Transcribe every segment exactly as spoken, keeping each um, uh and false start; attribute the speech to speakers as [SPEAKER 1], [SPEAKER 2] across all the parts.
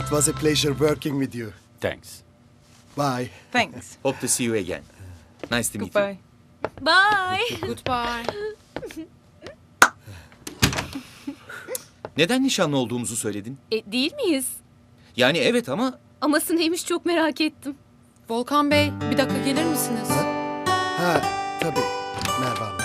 [SPEAKER 1] It was a pleasure working with you.
[SPEAKER 2] Thanks.
[SPEAKER 1] Bye.
[SPEAKER 3] Thanks.
[SPEAKER 2] Hope to see you again. Nice to meet you.
[SPEAKER 3] Goodbye.
[SPEAKER 4] Bye.
[SPEAKER 3] Goodbye.
[SPEAKER 2] Neden nişanlı olduğumuzu söyledin?
[SPEAKER 4] E, değil miyiz?
[SPEAKER 2] Yani evet ama
[SPEAKER 4] Aması neymiş çok merak ettim.
[SPEAKER 3] Volkan Bey, bir dakika gelir misiniz?
[SPEAKER 1] Ha, tabii. Merve Hanım.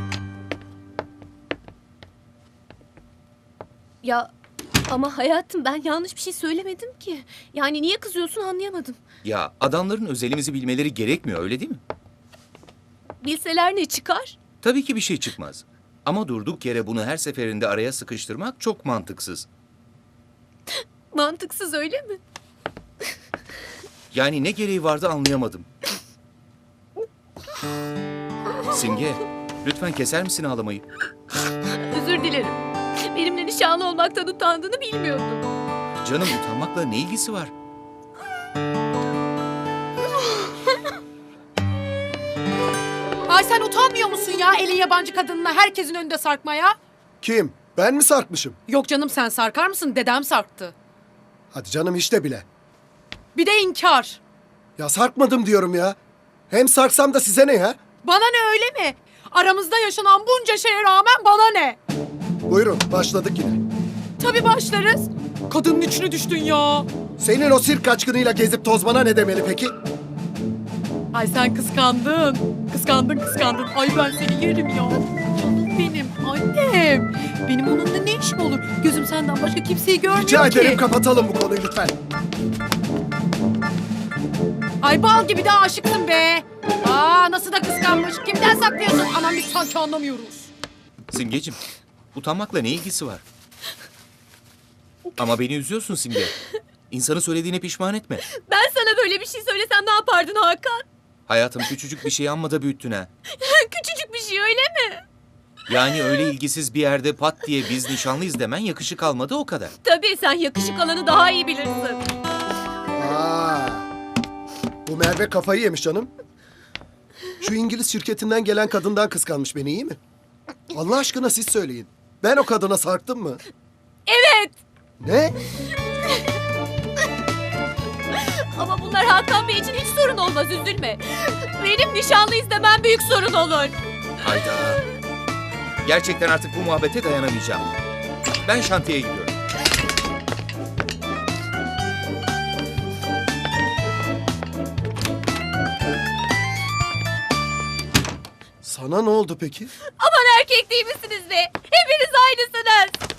[SPEAKER 4] Ya ama hayatım ben yanlış bir şey söylemedim ki. Yani niye kızıyorsun anlayamadım.
[SPEAKER 2] ya adamların özelimizi bilmeleri gerekmiyor öyle değil mi?
[SPEAKER 4] Bilseler ne çıkar?
[SPEAKER 2] Tabii ki bir şey çıkmaz. Ama durduk yere bunu her seferinde araya sıkıştırmak çok mantıksız.
[SPEAKER 4] Mantıksız öyle mi?
[SPEAKER 2] Yani ne gereği vardı anlayamadım. Simge, lütfen keser misin ağlamayı?
[SPEAKER 4] Özür dilerim. Benimle nişanlı olmaktan utandığını bilmiyordum.
[SPEAKER 2] Canım utanmakla ne ilgisi var?
[SPEAKER 3] Ay sen utanmıyor musun ya elin yabancı kadınına herkesin önünde sarkmaya?
[SPEAKER 1] Kim? Ben mi sarkmışım?
[SPEAKER 3] Yok canım sen sarkar mısın? Dedem sarktı.
[SPEAKER 1] Hadi canım işte bile.
[SPEAKER 3] Bir de inkar.
[SPEAKER 1] Ya sarkmadım diyorum ya. Hem sarksam da size ne ya?
[SPEAKER 3] Bana ne öyle mi? Aramızda yaşanan bunca şeye rağmen bana ne?
[SPEAKER 1] Buyurun başladık yine.
[SPEAKER 3] Tabii başlarız. Kadının içine düştün ya.
[SPEAKER 1] Senin o sirk kaçkınıyla gezip tozmana ne demeli peki?
[SPEAKER 3] Ay sen kıskandın. Kıskandın kıskandın. Ay ben seni yerim ya. Canım benim annem. Benim onunla ne işim olur? Gözüm senden başka kimseyi görmüyor
[SPEAKER 1] Rica
[SPEAKER 3] ki.
[SPEAKER 1] ederim kapatalım bu konuyu lütfen.
[SPEAKER 3] Ay bal gibi de aşıksın be. Aa nasıl da kıskanmış. Kimden saklıyorsun? Aman biz sanki anlamıyoruz.
[SPEAKER 2] Simgeciğim, utanmakla ne ilgisi var? Ama beni üzüyorsun Simge. İnsanı söylediğine pişman etme.
[SPEAKER 4] Ben sana böyle bir şey söylesem ne yapardın Hakan?
[SPEAKER 2] Hayatım küçücük bir şey amma da büyüttün ha.
[SPEAKER 4] Küçücük bir şey öyle mi?
[SPEAKER 2] Yani öyle ilgisiz bir yerde pat diye biz nişanlıyız demen yakışık almadı o kadar.
[SPEAKER 4] Tabii sen yakışık alanı daha iyi bilirsin.
[SPEAKER 1] Aa, bu Merve kafayı yemiş canım. Şu İngiliz şirketinden gelen kadından kıskanmış beni iyi mi? Allah aşkına siz söyleyin. Ben o kadına sarktım mı?
[SPEAKER 4] Evet.
[SPEAKER 1] Ne?
[SPEAKER 4] Ama bunlar Hakan Bey için hiç sorun olmaz üzülme. Benim nişanlıyız demem büyük sorun olur.
[SPEAKER 2] Hayda. Gerçekten artık bu muhabbete dayanamayacağım. Ben şantiyeye gidiyorum.
[SPEAKER 1] Sana ne oldu peki?
[SPEAKER 4] Aman erkek değil misiniz be? Hepiniz aynısınız.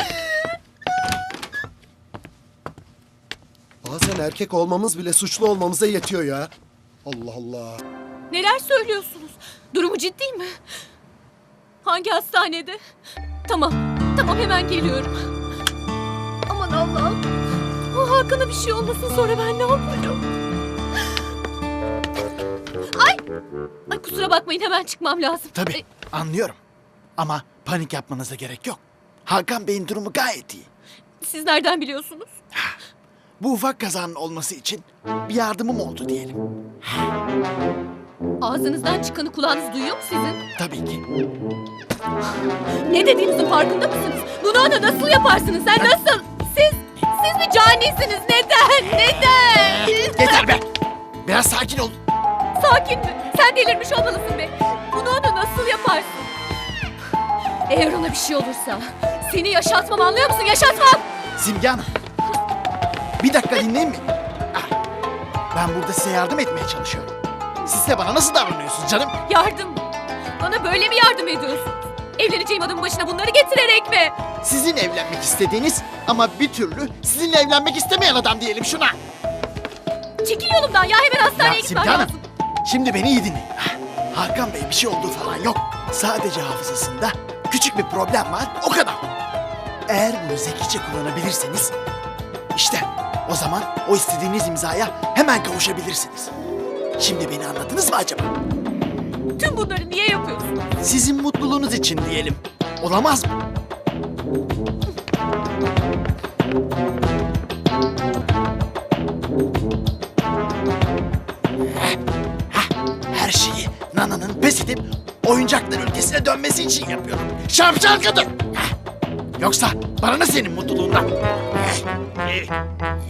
[SPEAKER 1] Bazen erkek olmamız bile suçlu olmamıza yetiyor ya. Allah Allah.
[SPEAKER 4] Neler söylüyorsunuz? Durumu ciddi mi? Hangi hastanede? Tamam, tamam hemen geliyorum. Aman Allah'ım. O Hakan'a bir şey olmasın sonra ben ne yaparım? Ay! Ay kusura bakmayın hemen çıkmam lazım.
[SPEAKER 5] Tabii
[SPEAKER 4] Ay,
[SPEAKER 5] anlıyorum. Ama panik yapmanıza gerek yok. Hakan Bey'in durumu gayet iyi.
[SPEAKER 4] siz nereden biliyorsunuz?
[SPEAKER 5] Bu ufak kazanın olması için bir yardımım oldu diyelim.
[SPEAKER 4] Ağzınızdan çıkanı kulağınız duyuyor mu sizin?
[SPEAKER 5] Tabii ki.
[SPEAKER 4] Ne dediğinizin farkında mısınız? Bunu ona nasıl yaparsınız? Sen nasıl? Siz, siz bir canisiniz. Neden? Neden?
[SPEAKER 5] Yeter be! Biraz sakin ol.
[SPEAKER 4] Sakin mi? Sen delirmiş olmalısın be. Bunu ona nasıl yaparsın? Eğer ona bir şey olursa seni yaşatmam anlıyor musun? Yaşatmam!
[SPEAKER 5] Simge Hanım. Bir dakika dinleyin beni. Ah, ben burada size yardım etmeye çalışıyorum. Siz de bana nasıl davranıyorsunuz canım?
[SPEAKER 4] Yardım mı? Bana böyle mi yardım ediyorsun? Evleneceğim adamın başına bunları getirerek mi?
[SPEAKER 5] Sizin evlenmek istediğiniz ama bir türlü sizinle evlenmek istemeyen adam diyelim şuna.
[SPEAKER 4] Çekil yolumdan ya hemen hastaneye
[SPEAKER 5] Ya
[SPEAKER 4] gitmem
[SPEAKER 5] Simge Hanım,
[SPEAKER 4] lazım.
[SPEAKER 5] şimdi beni iyi dinleyin. Ah, Hakan Bey bir şey olduğu falan yok. Sadece hafızasında küçük bir problem var, o kadar. Eğer bunu zekice kullanabilirseniz, işte o zaman o istediğiniz imzaya hemen kavuşabilirsiniz. Şimdi beni anladınız mı acaba?
[SPEAKER 4] Tüm bunları niye yapıyorsun?
[SPEAKER 5] Sizin mutluluğunuz için diyelim. Olamaz mı? Heh, heh, her şeyi Nana'nın pes edip oyuncaklar ülkesine dönmesi için yapıyorum. Şapşal kadın! Heh, yoksa bana ne senin mutluluğundan? Heh, eh.